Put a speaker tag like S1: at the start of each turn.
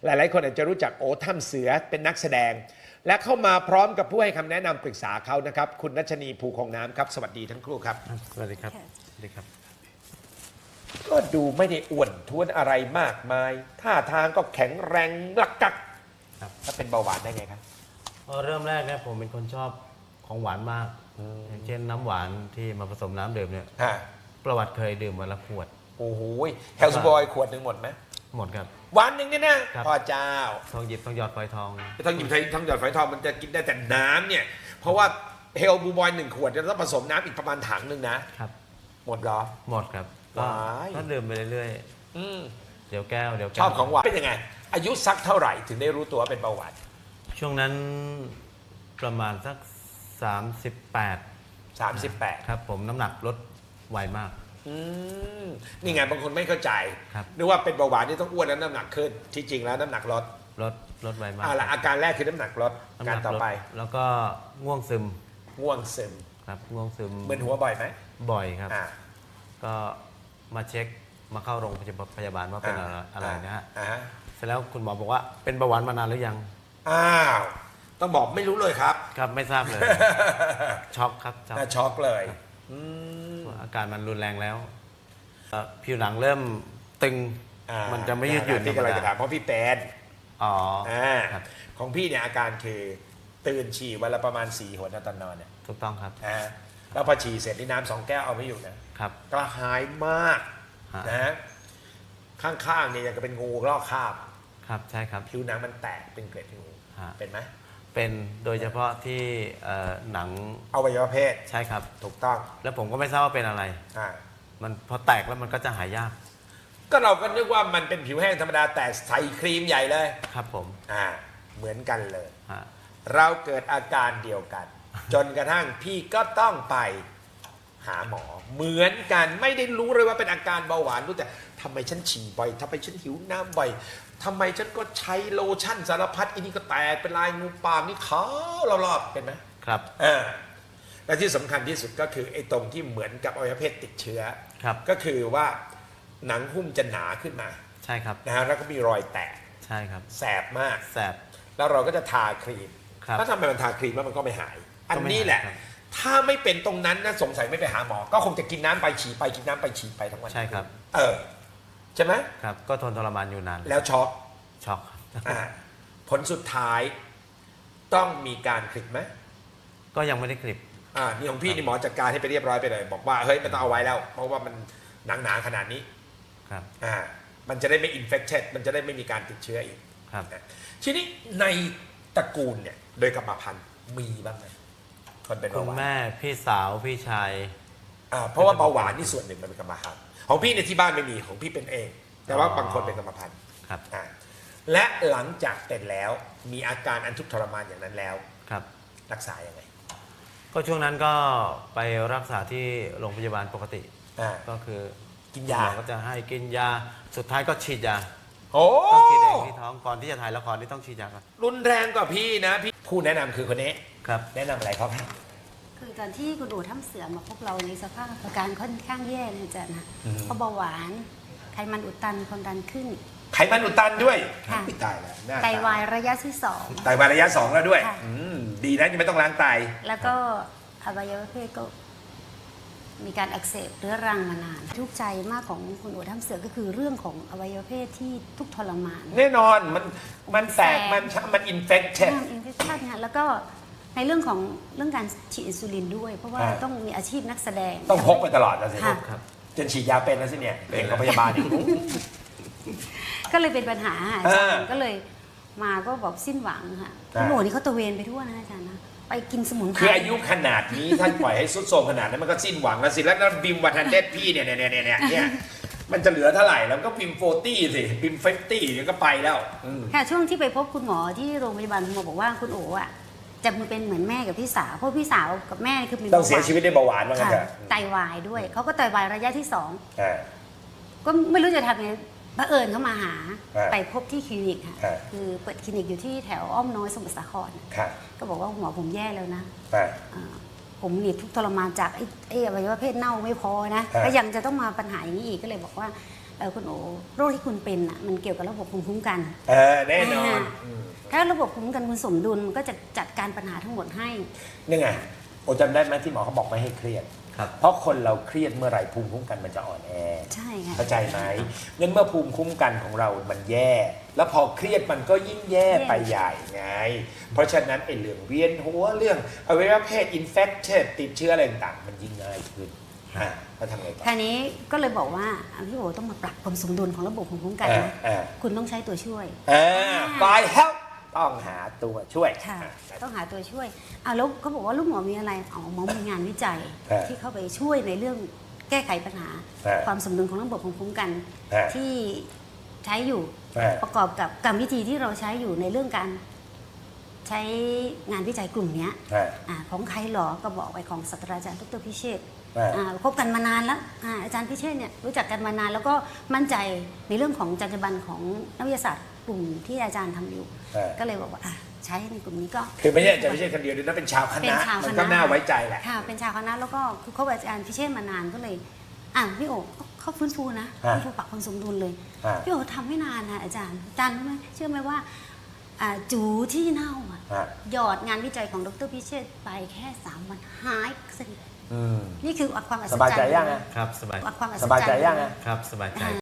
S1: หลายๆคนอาจจะรู้จักโอถ้ำเสือเป็นนักแสดง และเข้ามาพร้อมกับผู้ให้คำแนะนำปรึกษาเขานะครับคุณรัชนีภูคงน้ำครับสวัสดีทั้งคู่ครับ
S2: สวัสดีครับสวัสดีครับ
S1: ก็ดูไม่ได้อ้วนท้วนอะไรมากมายท่าทางก็แข็งแรงลักกัก
S2: ครับ
S1: ถ้าเป็นเบาหวานได้ไงครับ
S2: เริ่มแรกเนี่ยผมเป็นคนชอบของหวานมากอย่างเช่นน้ำหวานที่มาผสมน้ำดื่มเนี่ย
S1: ฮะ
S2: ประวัติเคยดื่มวันละขวด
S1: โอ้โหแฮลส์บอยขวดหนึ่งหมดไหม
S2: หมดครับ
S1: วันหนึ่งเนี่ยนะครับ พ่อเจ้า
S2: ทองหยิบทองหยอดฝอยทอง
S1: ต้องหยิบทั้งหยอดฝอยทองมันจะกินได้แต่น้ำเนี่ย เพราะว่าเฮลบูบอย1 ขวดจะต้องผสมน้ำอีกประมาณถังหนึ่งนะครับ หมดเหรอ
S2: หมดครับก็
S1: ว้าย
S2: ก็ดื่มไปเรื่อย
S1: อืม
S2: ๆเดี๋ยวแก้วเดี๋ยวแก้ว
S1: ชอบของหวานเป็นยังไง อายุสักเท่าไหร่ถึงได้รู้ตัวว่าเป็นเบาหวาน
S2: ช่วงนั้นประมาณสัก38
S1: 38
S2: ครับผมน้ำหนักลดไวมาก
S1: อืมนี่ไงบางคนไม่เข้าใจ
S2: ครับ
S1: นึกว่าเป็นเบาหวานที่ต้องอ้วนแล้วน้ำหนักขึ้นที่จริงแล้วน้ำหนักลด
S2: ลดไวมาก
S1: ละอาการแรกคือน้ำหนักลด
S2: น้ำห
S1: การ
S2: นัก
S1: ต่อ
S2: ลด
S1: ไป
S2: แล้วก็ง่วงซึม
S1: ง่วงซึม
S2: ครับง่วงซึม
S1: มึนหัวบ่อยไหม
S2: บ่อยครับ
S1: อ่า
S2: ก็มาเช็คมาเข้าโรงพยาบาลว่าเป็นอะไรนะฮะ
S1: อ่าฮะ
S2: เสร็จแล้วคุณหมอบอกว่าเป็นเบาหวานมานานหรือยัง
S1: อ้าวต้องบอกไม่รู้เลยครับ
S2: ครับไม่ทราบ เลย ช็อกครับช็อก
S1: น่าช็อกเลยอืม
S2: ว่าอาการมันรุนแรงแล้วผิวหนังเริ่มตึง
S1: อ่า
S2: มันจะไม่ยืดหยุ่น
S1: ที่กำลังจะถามเพราะพี่แปน
S2: อ๋อ
S1: ครับของพี่เนี่ยอาการคือตื่นฉี่วันละประมาณ4 หนนะตอนนอนเนี่ย
S2: ถูกต้องครับ
S1: แล้วพอฉี่เสร็จนี่น้ำ2 แก้วเอาไม่อยู่นะครับ กระหายมาก
S2: ฮะ
S1: นะข้างๆเนี่ยยังกับเป็นงูลอกคราบ
S2: ครับใช่ครับ
S1: ผิวหนังมันแตกเป็นเกล็ดงู
S2: ฮะ
S1: เป็นไหม
S2: เป็นโดยเฉพาะที่หนัง
S1: อวัยวะเพศ
S2: ใช่ครับ
S1: ถูกต้อง
S2: แล้วผมก็ไม่ทราบว่าเป็นอะไร
S1: อ่า
S2: มันพอแตกแล้วมันก็จะหายยาก
S1: ก็เราก็นึกว่ามันเป็นผิวแห้งธรรมดาแต่ใส่ครีมใหญ่เลย
S2: ครับผม
S1: เหมือนกันเลย
S2: ฮะ
S1: เราเกิดอาการเดียวกัน จนกระทั่งพี่ก็ต้องไปหาหมอ เหมือนกันไม่ได้รู้เลยว่าเป็นอาการเบาหวานรู้แต่ทำไมฉันฉี่บ่อยทำไมฉันหิวน้ำบ่อยทำไมฉันก็ใช้โลชั่นสารพัดอันนี้ก็แตกเป็นลายงูปามนี่ขาวรอบๆเป็นไหม
S2: ครับ
S1: และที่สำคัญที่สุดก็คือไอ้ตรงที่เหมือนกับอวัยวะเพศติดเชื้อ
S2: ครับ
S1: ก็คือว่าหนังหุ้มจะหนาขึ้นมา
S2: ใช่ครับ
S1: นะฮะแล้วก็มีรอยแตก
S2: ใช่ครับ
S1: แสบมาก
S2: แสบ
S1: แล้วเราก็จะทาครีม
S2: ครับ
S1: ถ้าทำไมมันทาครีมแล้วมันก็ไม่หาย อัน
S2: ก็ไม่หาย
S1: นี้แหละ
S2: ครับ
S1: ถ้าไม่เป็นตรงนั้นนะสงสัยไม่ไปหาหมอ ก็คงจะกินน้ำไปฉี่ไปกินน้ำไปฉี่ไปทั้งวัน
S2: ใช่ครับ
S1: ใช่ไหม
S2: ครับ ก็ทนทรมานอยู่นาน
S1: แล้วช็อก
S2: ช็อก
S1: อ่าผลสุดท้ายต้องมีการคลิปไหม
S2: ก็ยังไม่ได้คลิป
S1: นี่ของพี่นี่หมอจัดการให้ไปเรียบร้อยไปเลย บอกว่าเฮ้ยไม่ต้องเอาไว้แล้ว เพราะว่ามันหนาขนาดนี้
S2: ครับ
S1: มันจะได้ไม่อินเฟคเชมันจะได้ไม่มีการติดเชื้ออีก
S2: ครับ
S1: ทีนี้ในตระกูลเนี่ยโดยกรรมพันธุ์มีบ้างไหมคนเป็น
S2: คุ
S1: เบา
S2: ณ
S1: หวาน
S2: แม่พี่สาวพี่ชาย
S1: เพราะว่าเบาหวานนี่ส่วนหนึ่งมันเป็นกรรมพันธุ์ของพี่ในยที่บ้านไม่มีของพี่เป็นเอง แต่ว่าบางคนเป็นกรรมพันธุ์
S2: ครับ
S1: และหลังจากเป็นแล้วมีอาการอันทุกข์ทรมานอย่างนั้นแล้ว
S2: ครับ
S1: รักษายังไง
S2: ก็ช่วงนั้นก็ไปรักษาที่โรงพยาบาลปกติ
S1: อ่า
S2: ก็คือ
S1: กิน
S2: ห
S1: ยา
S2: มอก็จะให้กินยา สุดท้ายก็ฉีดยา
S1: โอ้
S2: ต้องฉีดเองที่ท้อง ก่อนที่จะถ่ายละครที่ต้องฉีดยาก่อน
S1: รุนแรงกว่าพี่นะพี่ผู้แนะนำคือคนนี้
S2: ครับ
S1: แนะนำอะไรครับ
S3: คือตอนที่คุณอู๋ถ้ำเสือมาพบเราในสภาพอาการค่อนข้างแย่เลยอาจารย์นะ
S1: อืม
S3: เพราะเบาหวาน ไขมันอุดตันความดันขึ้น
S1: ไขมันอุดตันด้วย
S3: ค่ะ
S1: อุ๊ยตายแล้วน่
S3: ไตวายระยะที่
S1: ไตวายระยะ 2 แล้วด้วย
S3: ค่ะ
S1: ดีนะยังไม่ต้องล้างไต
S3: 2 แล้วก็อวัยวะเพศก็มีการอักเสบเรื้อรังมานาน ทุกข์ใจมากของคุณอู๋ถ้ำเสือก็คือเรื่องของอวัยวะเพศที่ทุกข์ทรมาน
S1: แน่นอนมันแตกมันอินเฟคเช
S3: เรื่องอินเฟคชันค่ะแล้วก็ในเรื่องการฉีดอินซูลินด้วย เพราะว่าต้องมีอาชีพนักแสดง
S1: ต้องพกไปตลอดนะสิ
S3: ค่ะ
S2: ครับ
S1: จนฉีดยาเป็นแล้วสิเนี่ยเก่งกับพยาบาลอีก
S3: ก็เลยเป็นปัญหาอาจารย์
S1: อ่า
S3: ก็เลยมาก็บอกสิ้นหวังค่ะ
S1: อ่า
S3: คุณโหนนี่เขาตระเวนไปทั่วนะอาจารย์นะไปกินสมุนไพร
S1: คืออายุขนาดนี้ท่านปล่อยให้สุดโทรมขนาดนั้นมันก็สิ้นหวังแล้วสิแล้วบิมวันทันเดดพี่เนี่ยมันจะเหลือเท่าไหร่แล้วก็บิม40สิบิม50เดี๋ยวก็ไปแล้ว
S3: ค่ะช่วงที่ไปพบคุณหมอที่โรงพยาบาลคุณหมอบอกว่าคุณโอ๋อ่ะจะเป็นเหมือนแม่กับพี่สาวเพราะพี่สาวกับแม่คือเป็น
S1: ต้องเสียชีวิตด้วยเบาหวานว่างั้น
S3: ค่ะ
S1: เถอะ
S3: ไตวายด้วยเขาก็ไตวายระยะที่
S1: อ่า
S3: 2 ก็ไม่รู้จะทำยังไงบังเอิญเขามาหา
S1: อ่า
S3: ไปพบที่คลินิกค่ะ
S1: อ่า
S3: คือเปิดคลินิกอยู่ที่แถวอ้อมน้อยสมุทรสาคร
S1: ค่ะ
S3: ก็บอกว่าหมอผมแย่แล้วนะ
S1: อ่า
S3: ผมนี่ทุกข์ทรมานจากไอ้อวัยวะเพศเน่าไม่พอนะ
S1: อ่า
S3: ก็ยังจะต้องมาปัญหาอย่างนี้อีกก็เลยบอกว่าคุณโอโรคที่คุณเป็นอ่ะมันเกี่ยวกับระบบภูมิคุ้มกัน
S1: แน่นอน
S3: ถ้าระบบภูมิคุ้มกันคุณสมดุลมันก็จะจัดการปัญหาทั้งหมดให้
S1: นี่ไงโอจำได้ไหมที่หมอเขาบอกไม่ให้เครียด
S2: ครับ
S1: เพราะคนเราเครียดเมื่อไหร่ภูมิคุ้มกันมันจะอ่อนแอ
S3: ใช่ค่ะ
S1: เข้าใจไหมงั้นเมื่อภูมิคุ้มกันของเรามันแย่ แล้วพอเครียดมันก็ยิ่งแย่ไปใหญ่ไง เพราะฉะนั้นไอ้เรื่องเวียนหัวเรื่องอวัยวะเพศอินเฟคเชนติดเชื้ออะไรต่างๆมันยิ่งง่ายขึ้นแล้วทำไงต่อ
S3: คราวนี้ก็เลยบอกว่าพี่โอต้องมาปรับความสมดุลของระบบภูมิคุ้มกันนะคุณต้องใช้ตัวช่วย
S1: by help ต้องหาตัวช่วย
S3: ค่ะต้องหาตัวช่วยแล้วเขาบอกว่าลูกหมอมีอะไรหมอมีงานวิจัยที่เข้าไปช่วยในเรื่องแก้ไขปัญหา ความสมดุลของระบบภูมิคุ้มกันที่ใช้อยู่ประกอบกับกรรมวิธีที่เราใช้อยู่ในเรื่องการใช้งานวิจัยกลุ่มนี้ของใครหรอก็บอกไปของศาสตราจารย์ดร.พิเชษฐ์คบกันมานานแล้วอาจารย์พิเชษฐ์เนี่ยรู้จักกันมานานแล้วก็มั่นใจในเรื่องของจรรยาบรรณของนักวิทยาศาสตร์กลุ่มที่อาจารย์ทำอยู่ก็เลยบอกว่าใช้ในกลุ่มนี้ก็
S1: คือไม่ใช่จะไม่ใช่คนเดียวด้วยนะเป็นชาวคณะมันก็น่าไว้ใจแหละ
S3: ค่ะเป็นชาวคณะแล้วก็คือเขาอาจารย์พิเชษฐ์มานานก็เลยพี่โอเขาฟื้นฟูนะฟื้นฟูปรับความสมดุลเลยพี่โอทำไม่นานนะอาจารย์รู้ไหมเชื่อไหมว่าจูที่เน่าหยอดงานวิจัยของดร.พิเชษฐ์ไปแค่3 วันหายสนิทนี่คือความอัศจรรย์
S1: สบายใจยัง
S2: ครับสบาย
S3: ความอัศจรรย์
S1: สบายใจยัง
S2: ครับสบายใจ